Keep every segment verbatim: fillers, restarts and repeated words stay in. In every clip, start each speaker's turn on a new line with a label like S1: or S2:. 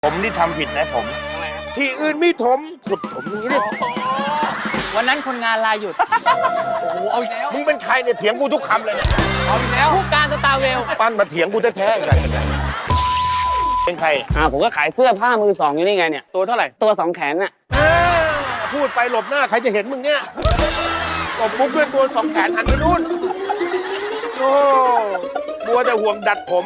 S1: ผมนี่ทำผิดนะผมที่อื่นไม่ถมขุดผมอย่างนี้เลย
S2: วันนั้นคนงานลาหยุด
S3: โอ้โหเอาอีกแล้ว
S1: มึงเป็นใครเนี่ยเถียงกูทุกคำเลยเนี่ย
S3: เอาอีกแล้ว
S2: ผู้การสตาร์เวล
S1: ปั้นมาเถียงกูแท้ๆกันเป็นใคร
S4: อ่าผมก็ขายเสื้อผ้ามือสองอยู่นี่ไงเนี่ย
S1: ตัวเท่าไหร่
S4: ตัวสองแขนน่ะ
S1: เออพูดไปหลบหน้าใครจะเห็นมึงเนี่ยหลบปุ๊บด้วยตัวสองแขนหันไปนู่นโอ้บัวแต่ห่วงดัดผม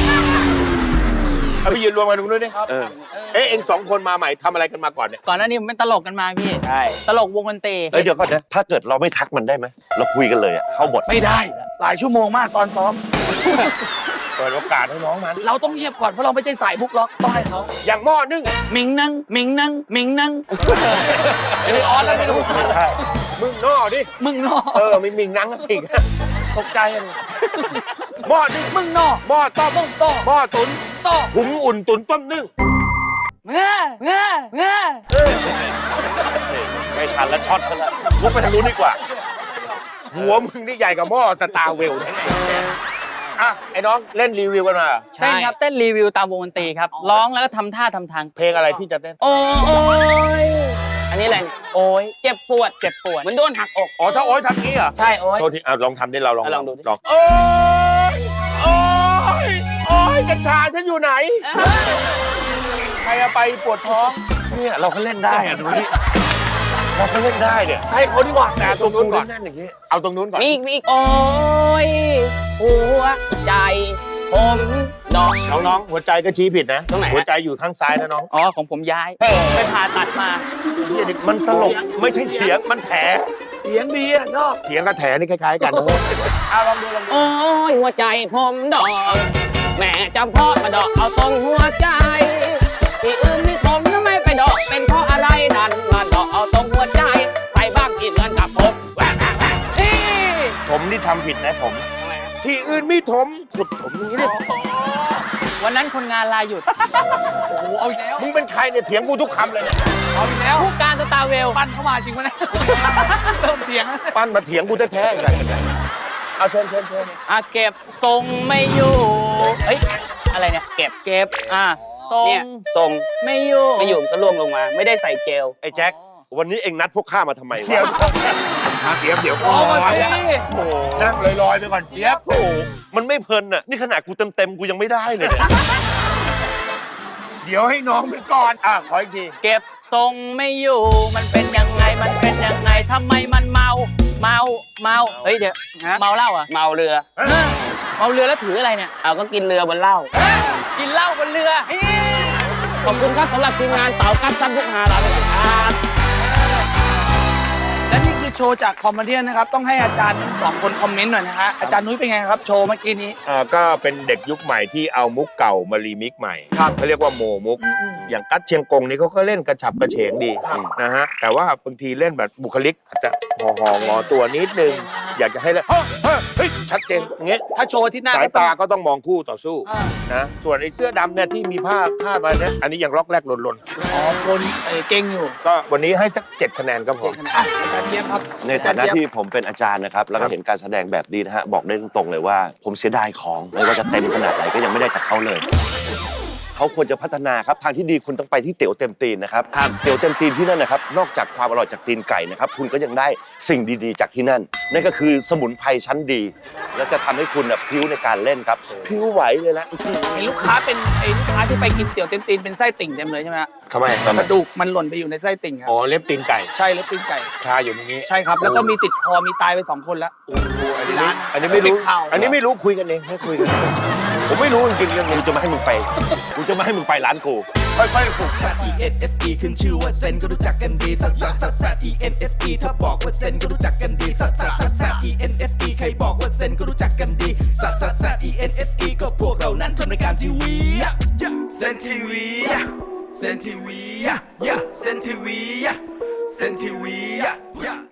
S1: เอาไปยืนรวมกันตรงนู้นดิเออเอ๊ะเอ็งสองคนมาใหม่ทำอะไรกันมาก่อนเนี่ย
S2: ก่อนหน้านี้ผมเป็นตลกกันมาพี่
S4: ใช่
S2: ตลกวงดนตรี
S5: เอ้ยเดี๋ยวก่อนนะถ้าเกิดเราไม่ทักมันได้ไหมเราคุยกันเลยอะเข้าบท
S3: ไม่ได้ หลายชั่วโมงมากตอนซ้อม
S1: เปิดโอกาสให้น้องมัน
S3: เราต้องเงียบก่อนเพราะเราไม่ใช่สายบุกล็อกต้องให้เขา
S1: อย่างหม้อนึ่ง
S2: หมิงนั่งหมิงนั่งหมิงนั่ง
S3: ไม่ได้ออนแล้วไม่รู้
S1: ใช่มึงนอดิ
S2: มึงนอ
S1: เออไม่มิงนังก็สิตกใจเลยหม้อนึ่ง
S2: มึงนอ
S1: หม้อต้ม
S2: ต้องโต
S1: หม้อตุ๋น
S2: โต
S1: หุงอุ่นตุ๋นต้มนึ่ง
S2: เง่เง่เง่
S5: ไม่ทันแล้วช็อตเขาแล้วลุกไปทางนู้นดีกว่า
S1: หัวมึงนี่ใหญ่กับหม้อสตาร์เวลเนี่ยอ่ะไอ้น้องเล่นรีวิวกันมา
S2: เต้นครับเต้นรีวิวตามวงดนตรีครับร้องแล้วก็ทำท่าทำทาง
S1: เพลงอะไรที่จะเต้น
S2: โอ้ย
S4: อันนี้อะไรเนี่ย
S2: โอ้ย
S4: เจ็บปวดเจ็บปวดเหมือนโดนหักอก
S1: อ๋อถ้าโอ๊ยทำงี้เหรอ
S4: ใช่โอ๊ย
S1: โทษทีอ่ะลองทำดิเราลอง
S4: อ่ะลองดูดิ
S1: ลองโอ๊ยโอ๊ยโอ๊ยกัญชาฉันอยู่ไหนใครเอาไปปวดท้อง
S5: เนี่ยเราก็เล่นได้อะดูนี่เราก็เล่นได้เนี่ย
S3: ให้เขาดีกว่า
S1: แต่ตรงนู้นก่อน
S5: แน่นๆอย่างนี้
S1: เอาตรงนู้นก่อน
S4: มีอีกมีอีกโอ๊ยหัวใจผมดอก
S1: น้องๆหัวใจก็ชี้ผิดนะ
S4: ตรงไหนฮะ
S1: หัวใจอยู่ข้างซ้ายนะน้อง
S2: อ๋อของผมย้ายไปผ่าตัดมา
S1: เหี้ยนี่
S5: มันตลกไม่ใช่เถียงมันแผล
S3: เสียงดีอะชอบ
S1: เถียงกับแถนี่คล้ายๆกันเอาลองดูลองดู
S4: โอ๊ยหัวใจผมดอกแม่จำเพาะมาดอกเอาตรงหัวใจที่อื่นนี่ผมทำไมไปดอกเป็นเพราะอะไรนั่นมาดอกเอาตรงหัวใจใครบ้างที่เหมือนกับผมแหวกแหวกแหวกนี่
S1: ผมนี่ทำผิดนะผมที่อื่นไม่ถมขุดผมอย่างนี้เลย
S2: วันนั้นคนงานลาหยุด
S3: โอ้โหเอาอีกแล้ว
S1: มึงเป็นใครเนี่ยเถียงกูทุกคำเลยเนี่ย
S3: เอาอีกแล้ว
S2: ผู้การสตาร์เวล
S3: ปั้นเข้ามาจริงปะเนี่ยเริ่มเสียงแล้ว
S1: ปั้นมาเถียงกูแท้ๆกันเอาเชิญเชิญเชิญ
S2: อ่ะเก็บทรงไม่อยู่เฮ้ยอะไรเนี่ยเก็บเก็บอ่ะทรง
S4: เนี่ยทรง
S2: ไม่อยู่
S4: ไม่อยู่มันก็ร่วงลงมา ไม่ได้ใส่เจล
S5: ไอ้แจ็ควันนี้เอ็งนัดพวกข้ามาทำไม
S1: เดี๋ยว
S5: วะ
S1: เดี๋ยวเดี๋ยว
S3: โอ้มาสิ
S1: โอ้โหนั่งลอยๆไปก่อนเสียบ
S5: โอ้โหมันไม่เพลินน่ะนี่ขนาดกูเต็มๆกูยังไม่ได้เลยเนี่ย
S1: เดี๋ยวให้น้องมันก่อนอ่ะขออีกที
S2: เก็บทรงไม่อยู่มันเป็นยังไงมันเป็นยังไงทำไมมันเมาเมาเมาเฮ้ยเดี๋ยว
S4: ฮะ
S2: เมาเหล้าอ่ะ
S4: เมาเรือ
S2: เออเมาเรือแล้วถืออะไรเนี่ย
S4: เอาก็กินเรือบนเหล้า
S2: กินเหล้าบนเรือเฮ้ย
S4: ขอบคุณครับสำหรับทีมงานเต่ากัดซันพุกหาลาไปก่อนครับ
S3: และนี่คือโชว์จากคอมเมดี้นะครับต้องให้อาจารย์สองคนคอมเมนต์หน่อยนะฮะอาจารย์นุ้ยเป็นไงครับโชว์เมื่อกี้นี้
S1: อ่าก็เป็นเด็กยุคใหม่ที่เอามุกเก่ามารีมิกซ์ใหม่เขาเรียกว่าโมมุก อย่างกัดเชียงกงนี่เขาก็เล่นกระฉับกระเฉงดีนะฮะแต่ว่าบางทีเล่นแบบบุคลิกอาจจะห่อหองอตัวนิดนึง อยากจะให้เล่นเฮ้ยเฮ้ยเฮ้ยชัดเจนอย่างเงี้ย
S3: ถ้าโชว์ที่หน้า
S1: สาย
S3: ก็ต้อง
S1: ตาก็ต้องมองคู่ต่อสู้
S3: อ่า
S1: นะส่วนไอ้เสื้อดำเนี่ยที่มีผ้าคาดมาเนี่ยอันนี้ยังล็อกแรกหล่น
S3: อ๋อคนเอ่อเก่งอยู่
S1: ๆก็วันนี้ให้สักเจ็ดคะแนนก็พอ
S3: เก่งขนาดอ่ะอาจารย์เทียบครับ
S5: ในฐานะที่ผมเป็นอาจารย์นะครับแล้วก็เห็นการแสดงแบบนี้นะฮะบอกได้ตรงๆเลยว่า ผมเสียดายของไม่ว่าจะเต็มขนาดไหนก็ยังไม่ได้จากเขาเลย เขาควรจะพัฒนาครับทางที่ดีคุณต้องไปที่เตี๋ยวเต็มตีนนะครับเตี๋ยวเต็มตีนที่นั่นนะครับนอกจากความอร่อยจากตีนไก่นะครับคุณก็ยังได้สิ่งดีๆจากที่นั่นนั่นก็คือสมุนไพรชั้นดี และจะทำให้คุณน่ะพริ้วในการเล่นครับพริ้วไหวเลยละ
S3: เห็นลูกค้าเป็นไอ้ลูกค้าที่ไปกินเตี๋ยวเต็มตีนเป็นไส้ติ่งเต็มเลยใช่ไหมฮะ
S1: ทำไม
S3: กระดูกมันหล่นไปอยู่ในไส้ติ่งครับ
S1: อ๋อเล็บตีนไก่
S3: ใช่แล้วตีนไก่
S1: คาอยู่ในนี้
S3: ใช่ครับ แล้วก็มีติดคอมีตายไปสองคนแล้ว
S1: อันนี้ไม่อันนี้ไม่รู้
S3: เป็นข่าว
S1: อันนี้ไม่รู้คุยกันเองให้คุยกันผมไม่รู้จริงๆเรื่อง
S5: กู
S1: นี้
S5: จะไม่ให้มึงไปกูจะไม่ให้มึงไปร้านกู
S1: ค่อยๆฝึก
S6: ซัด E N S E ขึ้นชื่อว่าเซนก็รู้จักกันดีซัดซัดซัดซัด E N S E ถ้าบอกว่าเซนก็รู้จักกันดีซัดซัดซัดซัด E N S E ใครบอกว่าเซนก็รู้จักกันดีซัดซัดซัด E N S E ก็พวกเรานั้นทำรายการทีวีเซนทีวีเซนทีวีเซนทีวีเซนทีวี